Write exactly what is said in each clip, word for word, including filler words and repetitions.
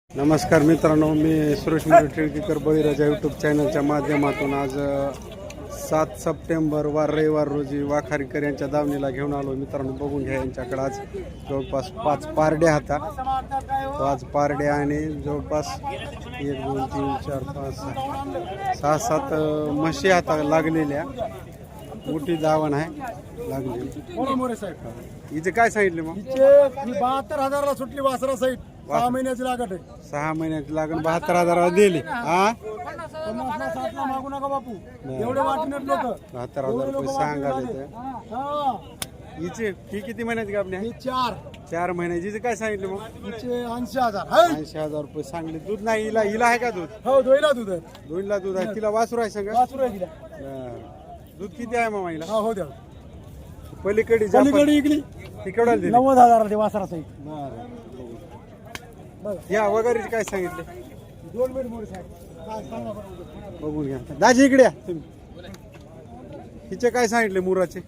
नमस्कार मित्रांनो, मी सुरेश टिळकेकर बळीराजा यूट्यूब चॅनलच्या माध्यमातून आज सात सप्टेंबर वार रविवार रोजी वाखारीकर यांच्या दावणीला घेऊन आलो. मित्रांनो बघून घ्या, यांच्याकडे आज जवळपास पाच पारड्या होता. पाच पारड्या आणि जवळपास एक दोन तीन चार पाच सहा सहा सात म्हशी आता लागलेल्या. मोठी दावण आहे लागलेली. हिचे काय सांगितले मग? बहात्तर हजारला सुटली वासरा सहित. सहा महिन्याची लागत आहे. सहा महिन्याची लागण बहात्तर हजाराला दिली. हा पन्नासला साठला मागू नका बापू, एवढे वाटणार लोक. बहात्तर हजार रुपये सांगाले. हिचे ही किती महिन्याची आपली आहे? चार चार महिन्याची. हिचे काय सांगितले मग? हिचे ऐंशी हजार ऐंशी हजार रुपये सांगले. दूध नाही हिला? हिला आहे का दूध? हो, दोईला दूध आहे. दोनला दूध आहे. तिला वासरू आहे सांगा. वासरू आहे तिला. दूध किती आहे मामा हिला? हा, हो द्या. पलीकडे पलीकडे इकली ती केवढ्याला दिली? नव्वद हजाराला ते वासरा सहित. या वगैरे काय सांगितले? दोन मिनिट मोरे साहेब काय सांगा बरं. बघून घ्या. दाजी इकडे या तुम्ही. हिचे काय सांगितले मुराचे?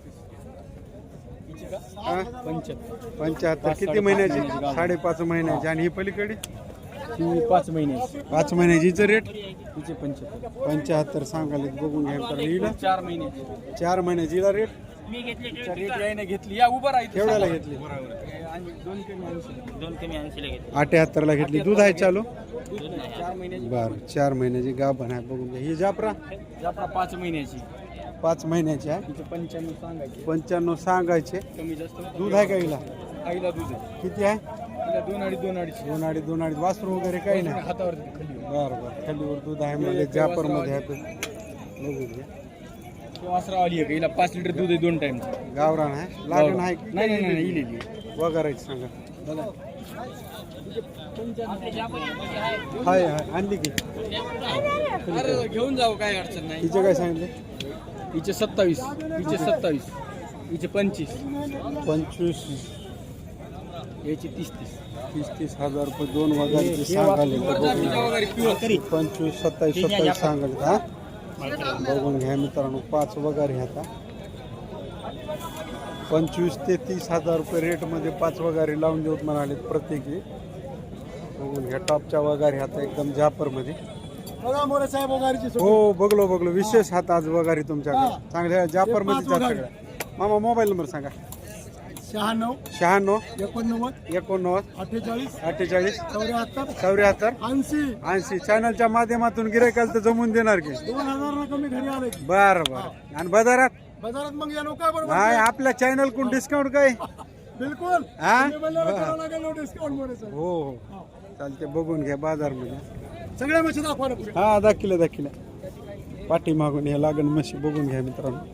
पंच्याहत्तर. किती महिन्याची? साडेपाच महिन्याची. आणि ही पलीकडे पाच महिने पाच महिन्याची. हिचं रेट तिचे पंच्याहत्तर पंच्याहत्तर सांगाले. बघून घ्या. तर हिला चार महिने चार महिन्याची. हिला रेट घेतली. या उभं राहायचं. केवढ्याला घेतली? दोन कमी ऐंशी दोन कमी ऐंशीला घेतली. अठ्याहत्तर ला घेतली. दूध आहे चालू? चार महिन्याची. बर, चार महिन्याची गाभण आहे. बघून घ्या. ही जाफरा जाफरा पाच महिन्याची. पाच महिन्याची आहे. तिचे पंच्याण्णव सांगायचे. पंच्याण्णव सांगायचे. कमी जास्त दूध आहे का हिला? आईला दूध आहे. किती आहे? तिला दोन अडीच दोन अडीच दोन अडीच दोन अडीच. वासरू वगैरे काही नाही? हातावर खाली बर बर. खालीवर दूध आहे म्हणजे जापर मध्ये आहे. बघून घ्या. वासरा आली आहे. हिला पाच लिटर दूध आहे दोन टाइम. गावरान आहे. लागण आहे की? नाही नाही नाही इलेली वगैरे सांगा. बघा हाय हाय आणली की? अरे घेऊन जाऊ, काय अडचण नाही. तिचे काय सांगितले? हिचे सत्तावीस. हिचे सत्तावीस. हिचे पंचवीस. पंचवीस. याची तीस तीस तीस तीस हजार रुपये दोन वगैरे सांगाले. पंचवीस सत्तावीस सत्तावीस सांगाले. हा बघून घ्या मित्रांनो. पाच वगैरे आता पंचवीस ते तीस हजार रुपये रेटमध्ये पाच वगैरे लावून देऊत म्हणाले प्रत्येकी. बघून घ्या. टॉपच्या वगैरे आता एकदम जापरमध्ये. हो बघलो बघलो. विशेष हात आज वगैरे तुमच्याकडे चांगल्या जापरमध्ये सगळ्या. मामा मोबाईल नंबर सांगा. शहाण्णव शहाण्णव एकोणनव्वद एकोणनव्वद अठ्ठेचाळीस अठ्ठेचाळीस चौऱ्याहत्तर चौऱ्याहत्तर ऐंशी ऐंशी. चॅनलच्या माध्यमातून गिरायकाला तर जमून देणार की? दोन हजार कमी घरी आले. बरं बरं. आणि बाजारात बाजारात मग या लोक बरोबर नाही आपल्या चॅनल कोण डिस्काउंट काय? बिलकुल. हा डिस्काउंट हो हो चालते. बघून घ्या बाजारमध्ये. सगळ्या मशीन दाखवा ना पुढे. हा दाखिले दाखिले. पाठी मागून हे लागण म्हशी बघून घ्या मित्रांनो.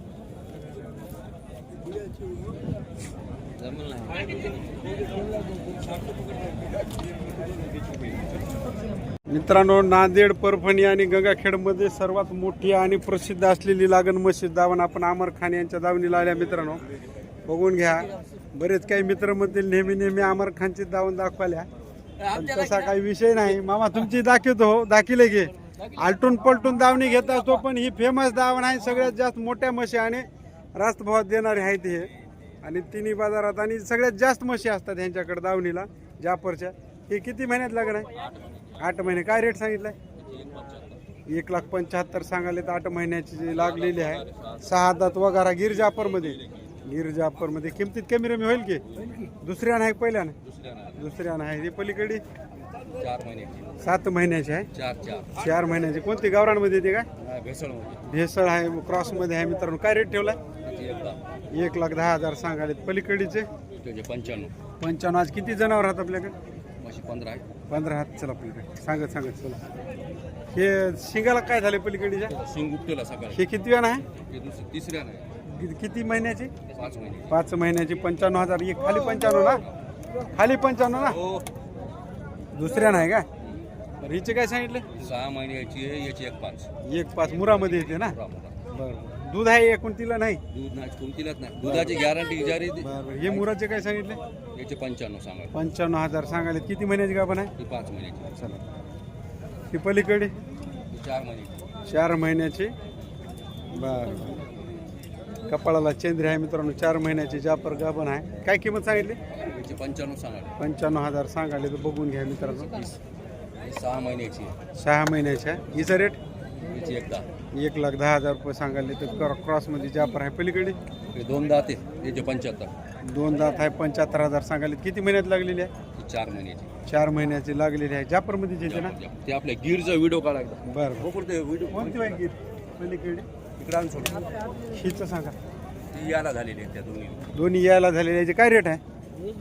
मित्रांनो नांदेड, परभणी आणि गंगाखेडमध्ये सर्वात मोठी आणि प्रसिद्ध असलेली लागण म्हशी दावण आपण आमर खान यांच्या दावणीला आल्या. मित्रांनो बघून घ्या. बरेच काही मित्र म्हणतील नेहमी नेहमी आमर खानची दावण दाखवाल्या, पण तसा काही विषय नाही. मामा तुमची दाखवतो. हो दाखिले घे. आलटून पलटून दावणी घेत असतो, पण ही फेमस दावण आहे. सगळ्यात जास्त मोठ्या म्हशी आणि रास्त भावात देणारे आहेत हे. आणि तिन्ही बाजारात आणि सगळ्यात जास्त म्हशी असतात यांच्याकडे दावणीला जापरच्या. हे किती महिन्यात लागण आहे? आठ महिने. काय रेट सांगितलाय? एक लाख पंच्याहत्तर सांगाले. तर आठ महिन्याची जी लागलेली आहे. सहा दात वगारा. गिर जापरमध्ये. गिर जापरमध्ये किमतीत कमी रमी होईल की? दुसऱ्या नाही पहिल्या नाही? दुसऱ्या नाही. ही पलीकडे सात महिन्याची आहे. चार महिन्याची. कोणती गावरांमध्ये येते काय? भेसळ आहे. क्रॉसमध्ये आहे. मित्रांनो काय रेट ठेवलाय? एक लाख दहा हजार सांगाले. पलीकडीचे पंच्याण्णव. पंच्याण्णव. आज किती जनावर आहेत आपल्याकडे? पंधरा आहे. पंधरा हात. चला पलीकडे सांगत सांगत चला. हे शिंगाला काय झाले पलीकडीच्या? शिंग उपटेला सकाळी. हे किती वेळ आहे? तिसऱ्या नाही. किती महिन्याची? पाच महिने. पाच महिन्याची. पंच्याण्णव हजार. एक खाली पंच्याण्णव ना? खाली पंच्याण्णव ना? दुसऱ्या नाही का? बरं हिचे काय सांगितले? सहा महिन्याची आहे. याची एक पाच. एक पाच. मुरामध्ये येते ना? बरं. दूध आहे एकूण तिला नाही? दूध नाही कोणतीलाच नाही. दुधाची गॅरंटी जारी. बरं. हे मुराचे काय सांगितले? याचे पंच्याण्णव सांगा. पंच्याण्णव हजार सांगाले. किती महिन्याची गाभण आहे? ही पाच महिन्याची. चला. ही पलीकडे चार महिन्याची. चार महिन्याची. बरं. कपाळाला चेंद्री आहे मित्रांनो. चार महिन्याची जापर गाभण आहे. काय किंमत सांगितली? पंच्याण्णव सांगा. पंच्याण्णव हजार सांगाले. तर बघून घ्या मित्रांनो. सहा महिन्याची आहे. सहा महिन्याच्या हिचा रेट हिची एकदा एक लाख दहा हजार रुपये सांगायले तर क्रॉसमध्ये जापर आहे. पलीकडे हे दोन दात आहे याचे पंच्याहत्तर. दोन दात आहे, पंच्याहत्तर हजार सांगायले. किती महिन्यात लागलेली आहे? ही चार महिन्याची. चार महिन्याची लागलेली आहे. जापरमध्ये येते ना? ते आपल्या गिरचा व्हिडिओ काढायचा. बरं हो ते व्हिडिओ कोणती आहे गीर पलीकडे? इकडे आणून सोड. हिचं सांगा. ती याला झालेली आहे त्या दोन्ही. दोन्ही यायला झालेले याचे काय रेट आहे?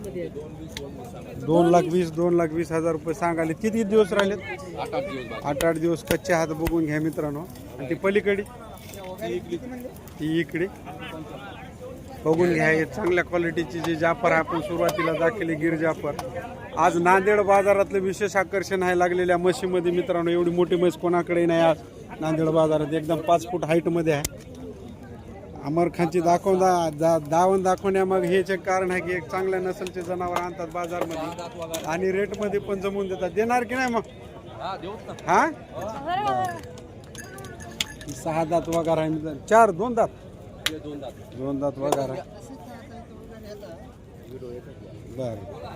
दोन लाख वीस दोन लाख वीस हजार रुपये सांगाले. किती दिवस राहिलेत? आठ आठ दिवस बाकी. आठ आठ दिवस कच्चे हात बघून घ्या मित्रांनो. आणि ती पलीकडे ती इकडे बघून घ्या. हे चांगल्या क्वालिटीची जी जापर आपण सुरुवातीला दाखवली गिर जापर. आज नांदेड बाजारातलं विशेष आकर्षण आहे लागलेल्या म्हशीमध्ये मित्रांनो. एवढी मोठी म्हैस कोणाकडे नाही आज नांदेड बाजारात. एकदम पाच फूट हाईटमध्ये आहे. अमर खानची दाखवून दा, दा दावण दाखवण्यामागे हेच एक कारण आहे की एक चांगल्या नसलचे जनावर आणतात बाजारमध्ये आणि रेटमध्ये पण जमवून देतात. देणार की नाही मग? हा सहा दात वगार आहे मित्रांनो. चार दोन दात दोन दात वगार आहे. बर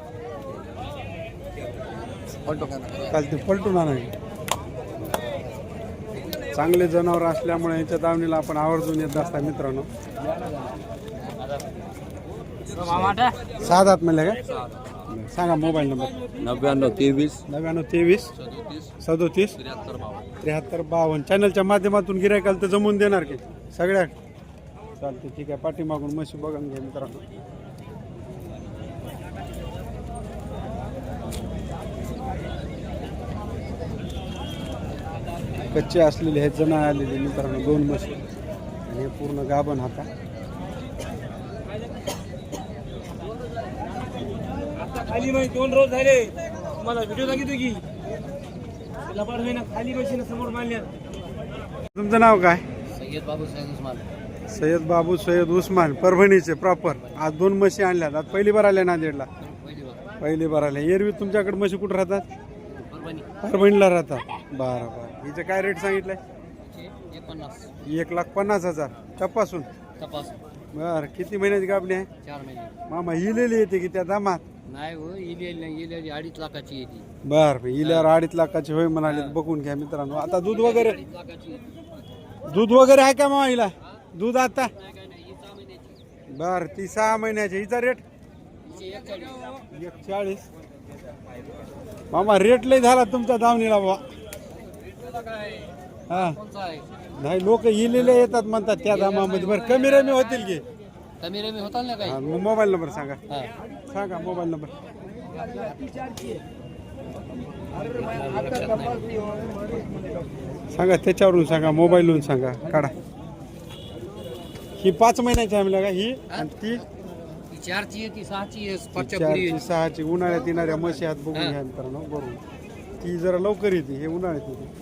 काल ते पलटून आणा. चांगले जनावर असल्यामुळे यांच्या दावणीला आपण आवर्जून येत असता मित्रांनो. सहा दात म्हणले का? सांगा मोबाईल नंबर. नव्याण्णव तेवीस नव्याण्णव तेवीस सदोतीस त्र्याहत्तर बावन्न. त्र्याहत्तर बावन्न. चॅनलच्या माध्यमातून गिरायकाला तर जमून देणार की सगळ्या? चालते ठीक आहे. पाठीमागून म्हशी बघून घ्या मित्रांनो. कच्चे असलेले हे जण आलेले मित्रांनो दोन म्हशी आणि हे पूर्ण गाभण हाता. खाली माहिती दोन रोज झाले तुम्हाला व्हिडिओ दाखवतो की लबाड होईना खाली मशीन समोर मानल्या. तुमचं नाव काय? सय्यद बाबू सय्यद उस्मान. सय्यद बाबू सय्यद उस्मान परभणीचे प्रॉपर. आज दोन म्हशी आणल्यात. आज पहिली बार आल्या नांदेडला. पहिली बार आल्या. एरवी तुमच्याकडे म्हशी कुठं राहतात? परभणीला राहतात. बरं बरं. हिचं काय रेट सांगितलंय? एक लाख पन्नास हजार तपासून. बरं किती महिन्याची गाभणी आहे? चार महिने. मामा इलेली येते की त्या दामात? नाही हो इलेली नाही इलेली अडीच लाखाची येते. बरं इल्यावर अडीच लाखाची होय म्हणाले. बघून घ्या मित्रांनो. आता दूध वगैरे दूध वगैरे आहे का मामा हिला? दूध आता बर ती सहा महिन्याची. हिचा रेट एक चाळीस. मामा रेट लय झाला तुमच्या दावणीला बा. हा नाही लोक इलेले येतात म्हणतात त्या दामामध्ये. बरं कमी रमी होतील की? कमी रमी होता ना काही. मोबाईल नंबर सांगा. सांगा मोबाईल नंबर. सांगा त्याच्यावरून सांगा. मोबाईलवरून सांगा. काढा. ही पाच महिन्याची आहे का? ही आणि ती चारची आहे ती सहाची आहे. चारची सहाची उन्हाळ्यात येणाऱ्या म्हशी हात बघून घ्या मित्रांनो. बरोबर ती जरा लवकर येते. हे उन्हाळ्यात येते.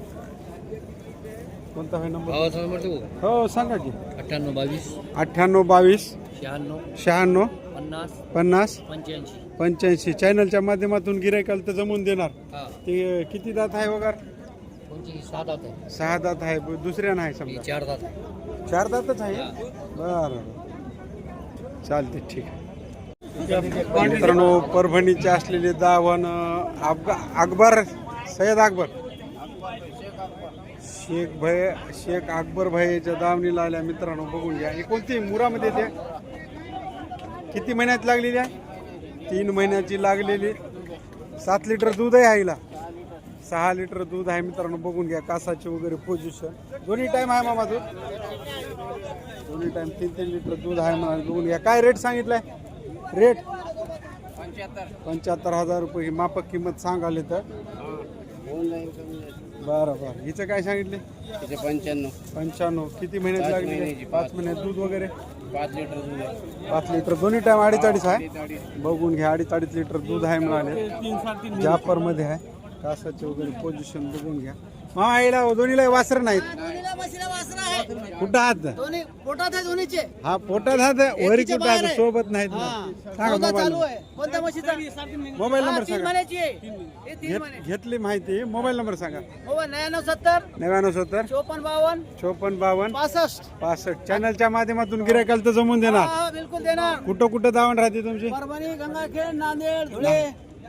कोणता आहे नंबर? हो सांगा की. अठ्ठ्याण्णव बावीस अठ्ठ्याण्णव बावीस शहाण्णव शहाण्णव पन्नास पन्नास पंच्याऐंशी पंच्याऐंशी. चॅनलच्या माध्यमातून गिरायकाला तर जमून देणार. हा. ते किती दात आहे वगैरे? कोणची सहा दात आहे. सहा दात आहे. दुसऱ्या नाही समजा चार दात आहे. चार दातच आहे. बरं चालते ठीक आहे. मित्रांनो परभणीचे असलेले दावण अफगा अकबर सय्यद अकबर शेख भाई शेख अकबर भाई याच्या दावणीला आल्या मित्रांनो. बघून घ्या. ही कोणती मुरामध्ये येते? किती महिन्यात लागलेली आहे? तीन महिन्याची लागलेली. सात लिटर दूध आहे आईला. सहा लिटर दूध आहे मित्रांनो. बघून घ्या. कासाचे वगैरे पोझिशन दोन्ही टाइम आहे मामा दूध. दोन्ही टाइम तीन तीन लिटर दूध आहे म्हणा. बघून घ्या. काय रेट सांगितलाय? रेट पंच्याहत्तर हजार रुपये. ही मापक किंमत सांगाले तर. बरं बरं. हिचं काय सांगितले? पंच्याण्णव पंच्याण्णव. किती महिन्यात लागली? पाच महिन्यात. दूध वगैरे पाच लिटर दूध आहे. पाच लिटर. दोन्ही टाइम अडीच अडीच आहे. बघून घ्या. अडीच अडीच लिटर दूध आहे म्हणाले. जापर मध्ये आहे. कासाचे वगैरे पोझिशन बघून घ्या. मामा आईला दोन्हीला वासर नाहीत. कुठं हात? पोटात आहे दोन्हीचे. हा पोटात हात वरी कुठं हात सोबत नाहीत ना. सांगा मोबाईल कोणत्या म्हशीचा? मोबाईल नंबर सांगा. महिन्याची आहे. हे तीन घेत- घेतली माहिती. मोबाईल नंबर सांगा. हो नव्याण्णव सत्तर नव्याण्णव सत्तर चोपन्न बावन्न चोपन्न बावन्न पासष्ट. पासष्ट. चॅनलच्या माध्यमातून गिरायकाला तर जमून देणार. हा बिलकुल देणार. कुठं कुठं दावण राहते तुमची? परभणी गंगाखेड नांदेड धुळे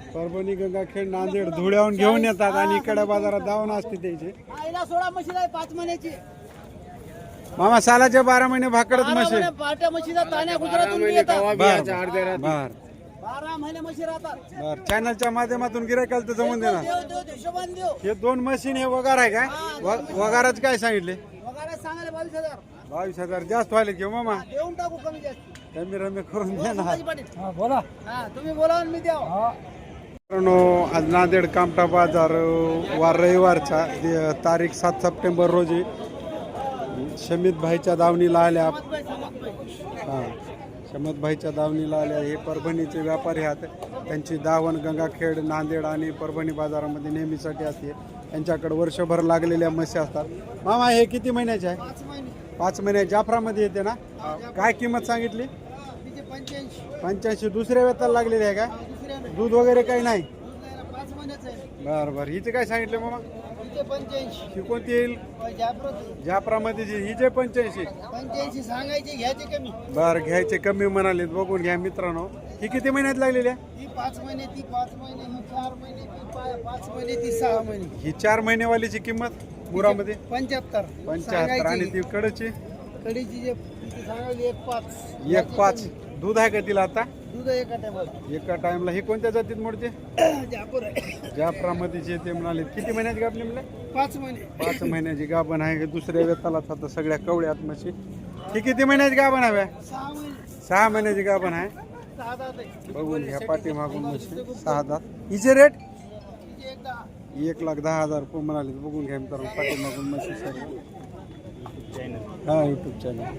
परभणी गंगाखेड नांदेड धुळ्याहून घेऊन येतात आणि इकडे बाजारात दावण असते त्याची. आईला सोळा म्हशी आहे पाच महिन्याची. मामा सालाचे बारा महिने भाकडच बारा म्हशी. महिने पाट्या म्हशीचा ताण्या गुजरातून येतात. बर बर बारा महिने म्हशी राहतात. बर चॅनलच्या माध्यमातून गिरायकाला तर जमून देणार. देव देव देव हिशोबाने देव. हे दोन मशीन हे वगार आहे का? व- वगाराच काय सांगितले? वगैरे सांगायला बावीस हजार. बावीस हजार जास्त व्हायले घेऊ मामा. देऊन टाकू कमी जास्त. कमी रमी करून द्या ना. संभाजी पाटील. बोला हा तुम्ही बोला आणि मी द्याव. मित्रांनो, आज नांदेड कामठा बाजार वार रविवारचा दि- तारीख सात सप्टेंबर रोजी शमित भाईच्या दावणीला आल्या. हां शमित भाईच्या दावणीला आल्या. हे परभणीचे व्यापारी आहेत. त्यांची दावण गंगाखेड नांदेड आणि परभणी बाजारामध्ये नेहमीसाठी असते. त्यांच्याकडे वर्षभर लागलेल्या म्हशी असतात. मामा हे किती महिन्याचे आहे? पाच महिने. पाच महिने जाफरामध्ये येते ना. काय किंमत सांगितली? तिचे पंच्याऐंशी. पंच्याऐंशी. दुसऱ्या वेताला लागलेली आहे का? दुसऱ्या दूध वगैरे काही नाही? पाच महिन्याचं आहे. बरं बरं. हिचे काय सांगितले मामा? तिचे पंच्याऐंशी. ही कोणती येईल? जाफरात जाफरामध्ये जी हिचे पंच्याऐंशी. पंच्याऐंशी सांगायचे घ्यायचे कमी. बरं घ्यायचे कमी म्हणाले. बघून घ्या मित्रांनो. ही किती महिन्यात लागलेली आहे? ही पाच महिने ती पाच महिने ही चार महिने ती पा- पाच महिने ती सहा महिने. ही चार महिनेवालीची किंमत मुरामध्ये पंच्याहत्तर. पंच्याहत्तर. आणि ती कडची कढीची जे तिची सांगायली एक पाच. एक पाच. दूध आहे का तिला आता? दूध एका टायमाला. एका टाइमला. ही कोणत्या जातीत मोडते? जापूर आहे. जाफरामध्ये जे ते म्हणाले. किती महिन्याची गाभणी म्हणले? पाच महिने. पाच महिन्याची गाभण आहे. दुसऱ्या वेतालाच आता सगळ्या कवड्यात म्हशी. ही किती महिन्याची गाभण हव्या? सहा महिने. सहा महिन्याची गाभण आहे. सहा दात आहे. बघून घ्या पाठीमागून म्हशी. सहा दात. हिचे रेट तिची एक दहा. एक लाख दहा हजार रुपये म्हणाले. बघून घ्या मित्रांनो पाठीमागून म्हशी सर्व. हा युट्यूब चॅनल.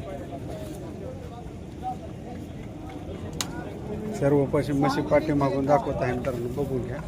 सर्व पशी म्हशी पाठीमागून दाखवत आहे मित्रांनो. बघून घ्या.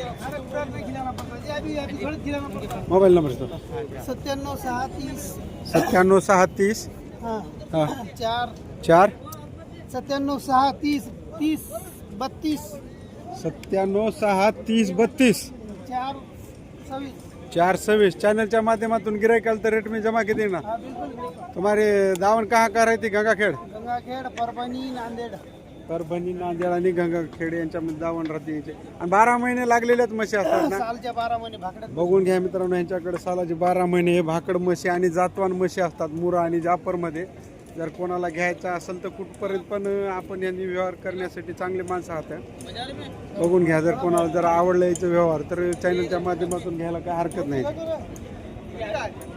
मोबाईल नंबर तो सत्त्याण्णव सहा तीस. सत्त्याण्णव सहा तीस. हा हा चार. चार. सत्त्याण्णव सहा तीस तीस बत्तीस. सत्त्याण्णव सहा तीस बत्तीस. चार सव्वीस. चार सव्वीस. चैनल माध्यमातून गिरायकाल तर रेट में जमा के देना. हा बिलकुल. तुम्हारे दावण कहाँ का रहती? गंगाखेड. गंगाखेड परभणी नांदेड. परभणी नांदेड आणि गंगाखेड यांच्यामध्ये दावण राहते याचे. आणि बारा महिने लागलेल्याच म्हशी असतात ना. सालच्या बारा महिने भाकड्यात. बघून घ्या मित्रांनो यांच्याकडे सालाचे बारा महिने हे भाकड म्हशी आणि जातवान म्हशी असतात मुरा आणि जाफरमध्ये. जर कोणाला घ्यायचं असेल तर कुठपर्यंत पण आपण यांनी व्यवहार करण्यासाठी चांगले माणसं आहात. बघून घ्या. जर कोणाला जर आवडलं याचं व्यवहार तर चॅनलच्या माध्यमातून घ्यायला काय हरकत नाही.